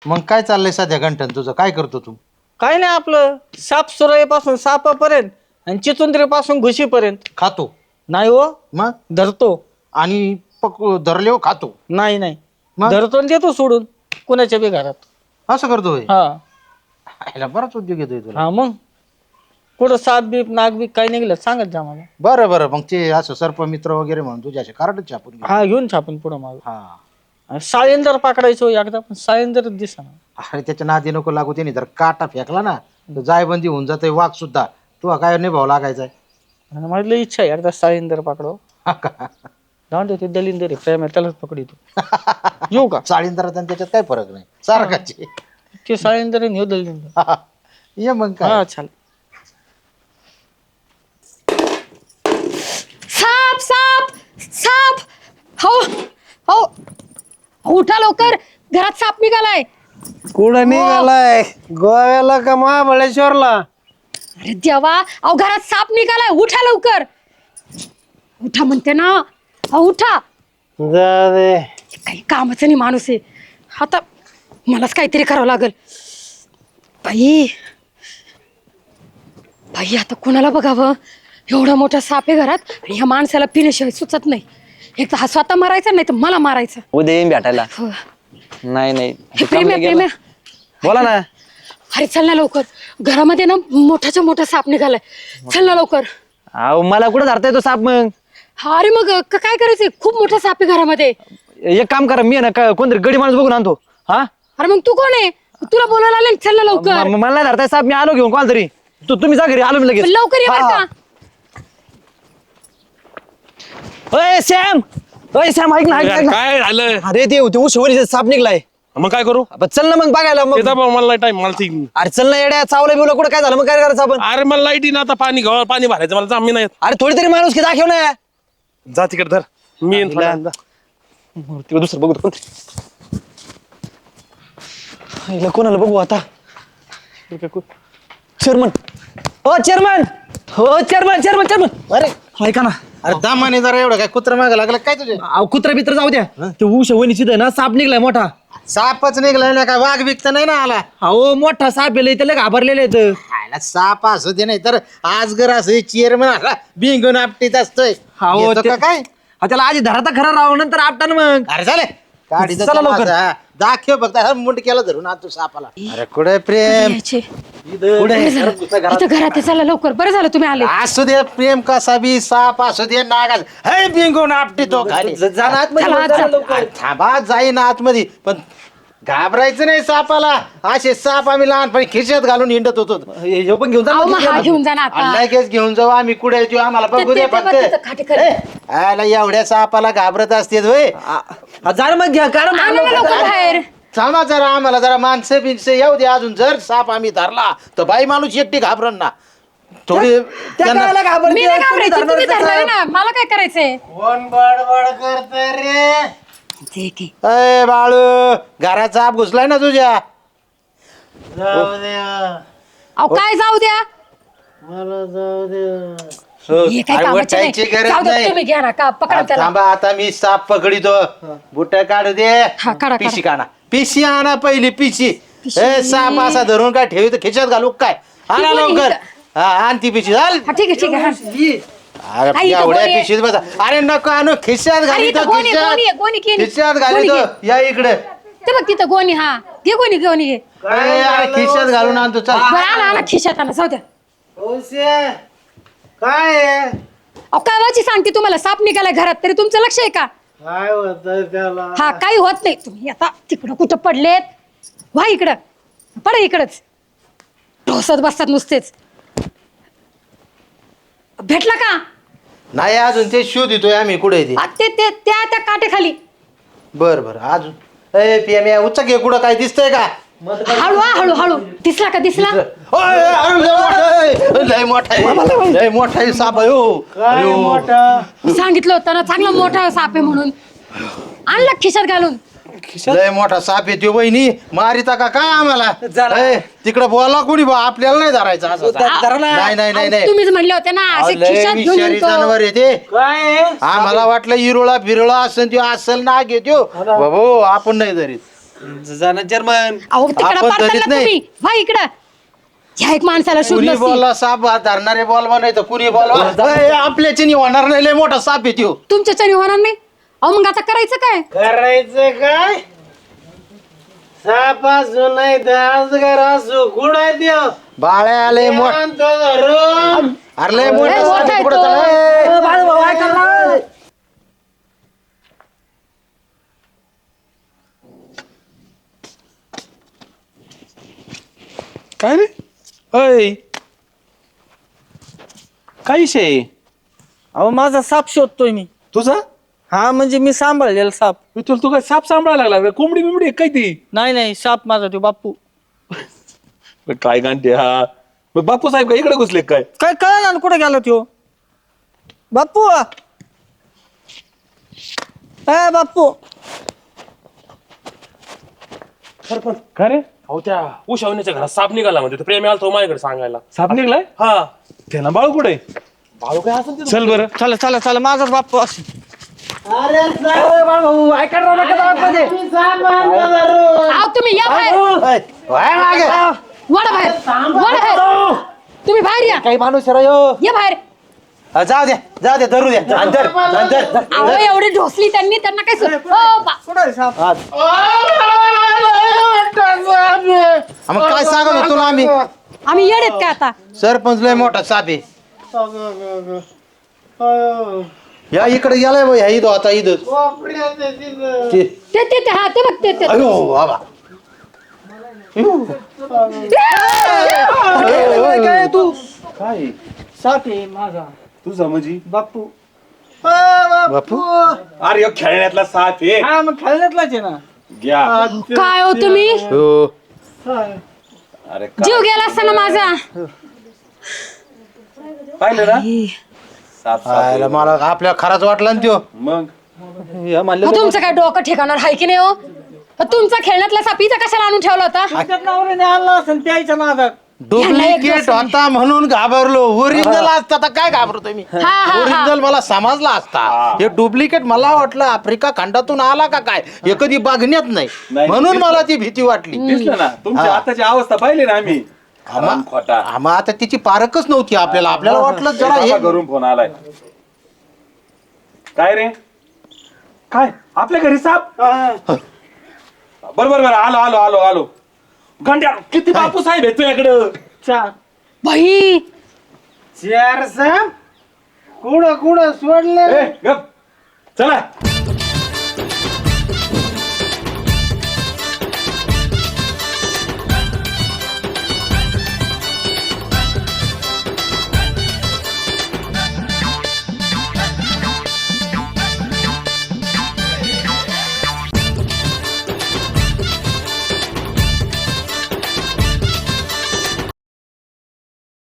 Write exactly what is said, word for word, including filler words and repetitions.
मग काय चाललंय सध्या गंठन तुझं? काय करतो तू? काय नाही आपलं साप सुरईपासून सापापर्यंत आणि चिचुंद्रीपासून घुशीपर्यंत. खातो? नाही हो, मग धरतो. आणि पक धरले हो खातो? नाही नाही, मग? धरतो आणि देतो सोडून कुणाच्या बी घरात. असं करतोय? हा ह्याला बराच उद्योग येतोय तुला. हा मग कुठं साप बीप नाग बीप काही निघलं सांगत जा मला. बरं बरं, मग ते असं सर्प मित्र वगैरे म्हणून तुझ्या असे कार्डच छापून घे. हा घेऊन छापून पुढं माग. हा साळेंदर पकडायचो एकदा, पण साळेंदर दिसा. अरे त्याच्या नादी नको लागू. त्याने जर काटा फेकला ना तर जायबंदी होऊन जाते. वाघ सुद्धा तू काय निभाव लागायचाय. माझी लई इच्छा आहे एकदा साळेंदर पकडो. जाऊन दे, ते दलिंदर आहे, प्रेम आहे, त्यालाच पकडितो. येऊ का? चाळींदरात आणि त्याच्यात काही फरक नाही, सारखाचे. ते साळेंदर आणि ह्यो दलिंदर. ये मग काय. हा चाल. साप साप साप. हो हो, उठा लवकर, घरात साप निघालाय. कुठं निघालाय? गोव्याला का महाबळेश्वरला? अरे देवा, अहो घरात साप निघालाय, उठा लवकर. उठा म्हणते ना, अहो उठा. जा दे. काही कामाचं नाही माणूस आहे. आता मलाच काहीतरी करावं लागल. बाई बाई, आता कोणाला बघावं? एवढा मोठा साप आहे घरात आणि ह्या माणसाला पिण्याशिवाय सुचत नाही. एक तर हा स्वतः मारायचा, नाही तर मला मारायचा. उद्या येईन भेटायला. हो. नाही नाही हे प्रेम आहे, प्रेम आहे. बोला ना. अरे चल ना लवकर, घरामध्ये ना मोठाच्या मोठा साप निघालाय. चल ना लवकर. अहो मला कुठं धरता येतो साप? मग हा अरे मग क- काय करायचंय? खूप मोठा साप आहे घरामध्ये. एक काम करा, मी आहे ना का- कोणतरी गडी माणूस बघून आणतो. हा अरे मग तू कोण आहे? तुला बोलायला आले, चल ना लवकर. म- मला नाही धरताय साप, मी आलो घेऊन कोण तरी. तू तुम्ही जा घरी, आलो मी लगेच. लवकर ये बरं हा. का. ओय सॅम, ओय सॅम, ऐक ना, ऐक ना, ऐक ना. काय झालं? अरे ते ते उशिवरीचे साप निघलाय. मग काय करू? आपण चल ना मग बघायला. मग येता बा, मला टाइम मला ती अरे चल ना येड्या, चावलं बिवलं कुठं काय झालं? मग काय करायचं आपण? अरे मला लाईट ना, आता पाणी घाव पाणी भरायचं मला जा, मी नाही येत. अरे थोडी तरी माणूस की दाखव ना. जा तिकडे धर, मी येईन थोड्या वेळाने, जा. तिकडे दुसरं बघू कोण. हिला कोणाला बघू आता? चेअरमन, हो चेअरमन, हो चेअरमन, चेअरमन, चेअरमन. अरे ऐका ना. अरे दामाने जरा एवढं काय कुत्रा मागे लागला काय तुझे? अहो कुत्रा बित्र जाऊ द्या. ते उश वणीची ना साप निघलाय मोठा. सापच निघलाय ना, काय वाघ बिकत नाही ना आला? अहो मोठा साप आहे, त्याला घाबरलेले आहेत. खायला साप असू दे, नाही तर आजगर असं चेअरमन आला बिंगून आपटीत असतोय. अहो, येतो ते- का काय? हा, त्याला आधी धराता खरा राव, नंतर आपटा ना मग. अरे झाले गाडी चला लवकर. दाखव फक्त मुंड केला धरून तू सापाला. अरे कुठे प्रेम? यायचे. कुठे? बरं झालं. इथं घरात आहे, चला लवकर. बरं झालं तुम्ही आले. असू दे प्रेम कसा बी, साप असू दे, नागास हे बिंगून आपटीतो खाली. चला, आत जा. अरे थांबा, जाईन आतमध्ये, पण घाबरायचं नाही सापाला. असे साप आम्ही लहानपणी खिशात घालून हिंडत होतो. हे पण घेऊन जा अहो ना. मग हा घेऊन जा ना आता. लगेच घेऊन जाऊ आम्ही. कुठे येतो आम्हाला बघू दे ते- ते- फक्त. ते- ते- खाटे खाली. ए, आला एवढ्या सापाला घाबरत असते होय? हा, जा ना मग घ्या कारण आणा ना लवकर बाहेर. थांबा जरा, आम्हाला जरा माणसं बिनसं येऊ दे अजून. जर साप आम्ही धरला तर बाई माणूस एकटी घाबरन ना थोडी. त्यांना- मी नाही घाबरायची, तुम्ही धरलाय ना, मला काय करायचंय? कोण बडबड करतंय रे? ते की. अय बाळू, घरात साप घुसलाय ना तुझ्या. जाऊ द्या अहो काय जाऊ द्या? मला, जाऊ द्या. हे काय अरे कामाचं वटायची नाही. गरज जाऊ द्या, नाही. तुम्ही घ्या ना का, पकडा त्याला. थांबा, आता मी साप पकडितो. बुट काढू दे. हा, काढा, पिशी काढा. काढा. पिशी आणा पहिली पिशी. पिशी. ए साप असा धरून काय ठेवी तर खिशात घालू काय? आणा कोणी लवकर. इथं? हा, आण ती पिशी. चाल. हा ठीक आहे, ठीक आहे. हा. अरे आई, इथं एवढ्या कोणी आहे? पिशीत बसा. अरे नको आणू, खिशात अरे घाली इथं तो गोणी, गोणी आहे, खिशात. गोणी केली. खिशात गोणी घाली घे. तो. या इकडे. ते बघ तिथं गोणी. हा घे गोणी, गोणी घे. अरे अरे खिशात घालून आणतो. चल. बरं आणा, आणा खिशात आणा, जाऊ द्या. काय आहे? अहो काय वाची सांगते तुम्हाला, साप निघाला घरात, तरी तुमचं लक्ष आहे का? काय होतंय त्याला? हा काही होत नाही. तुम्ही आता तिकडं कुठं पडलेत? व्हा इकडं, पडा इकडंच. ढोसत बसतात नुसतेच. भेटला का? नाही अजून, ते शोध येतोय आम्ही. कुठे ते? आ, ते ते त्या त्या काटेखाली. बर बर अजून. ए पीएम उच्च घे. कुठं काय दिसतंय का? हळू हा, हळू हळू. दिसला का? दिसला? ओय, अरे लय मोठा आहे. लय मोठा आहे. लय मोठा आहे साप आहे हो. काय अयो. मोठा? सांगितलं होतं ना, चांगला मोठा साप आहे म्हणून. आणला खिशात घालून. लय मोठा साप येतो वहिनी. मारिता का काय आम्हाला? तिकडे बोला कोणी बा, आपल्याला नाही धरायचं असं. नाही नाही नाही नाही. तुम्हीच म्हणले होते ना, अहो, असे लय खिशात घेऊन विषारी येतो. जनावर येते. काय आहे? आम्हाला वाटलं इरोळा फिरोळा असन त्यो असल ना घेतो बाबो, आपण नाही धरीत. जाना चेअरमन. अहो तिकडं आपण पडताल कधीच ना नाही. तुम्ही वा इकडं. ह्या एक माणसाला शोध कुणी नसती. बोलला साप हात धरणारे बोलवा नाही तर कुणी बोलवा आपल्याची होणार नाही लय मोठा साप आहे त्यो. तुमच्याच्याने होणार नाही. अहो मग आता करायचं काय? करायचं काय साप असू नाही तर अजगर असू कुठे देव बाळ्या आले मोठ धरून अरे लय लय मोठा मोठा साप आहे आहे, कुठं तो. चालला? ए, काय रे अय काय विषय अहो माझा साप शोधतोय मी. तुझा हा म्हणजे मी सांभाळलेला साप. तुला तू काय साप सांभाळायला लागला कोंबडी बिंबडी काय ती नाही नाही साप माझा तो बाप्पू. काय गांठे हा मग बापू साहेब काय इकडे घुसले काय काय कळलं ना कुठे गेला तो बाप्पू. ए बाप्पू काय रे अहो त्या उशावण्याच्या घरात साप निघाला म्हणजे प्रेम आला तो माझ्याकडे सांगायला साप निघलाय हा त्याला बाळू कुठे बाळू काय असं चल बरं चला चला चला माझाच बाप्पू असं. अरे ऐका राव नका जाऊ आतमध्ये. अहो तुम्ही या बाहेर. ए, वळ मागे. वडा बाहेर. वडा बाहेर. तुम्ही बाहेर या. काही माणूस आहे राव. या बाहेर. हा, जाऊ द्या जाऊ द्या धरू द्या अंतर अंतर अहो एवढी ढोसली त्यांनी त्यांना काय सु- हो, बा- मग काय सांगत होतो ना आम्ही आम्ही येडेत का आता? सरपंच लय मोठा साप आहे. या इकडे गेलाय बा ह्या इथं आता इथं ते- ते ते ते हा ते बघ ते ते अयो बाबा काय तू काय साप आहे माझा तुझा म्हणजे बाप्पू. बापू अरे ह्यो खेळण्यातला साप आहे हा मग खेळण्यातलाच आहे ना. घ्या काय हो तुम्ही हो अरे जीव गेला असताना माझा. पाहिलं ना साप आयला मला आपल्या खराच वाटला ना त्यो. मग हो, तुमचं काय डोकं ठिकाणार आहे की नाही हो? हो, तुमचा खेळण्यातला सापीचा कशाला आणून ठेवला होता? तुमच्यात नवऱ्याने आणला असेल त्याच्या नादात. डुप्लिकेट होता म्हणून घाबरलो. ओरिजिनल असता तर काय घाबरतोय मी. हा, हा. ओरिजिनल मला समजला असता. हे डुप्लिकेट मला वाटलं आफ्रिका खंडातून आला का काय हे कधी बघण्यात नाही नाही, म्हणून मला ती भीती वाटली. दिसलं ना तुमची हा. आताची अवस्था पाहिली ना आम्ही आम्हा- खोटा आम्हा आता तिची पारखच नव्हती आपल्याला आपल्याला वाटलं जरा हे घरून फोन आलाय काय रे काय आपल्या घरी साप बरोबर बरं आलो आलो आलो आलो घंट्या किती बापू साहेब आहे तुझ्याकडं चार. बाई चार साप कुठं कुठं सोडले ए, गप. चला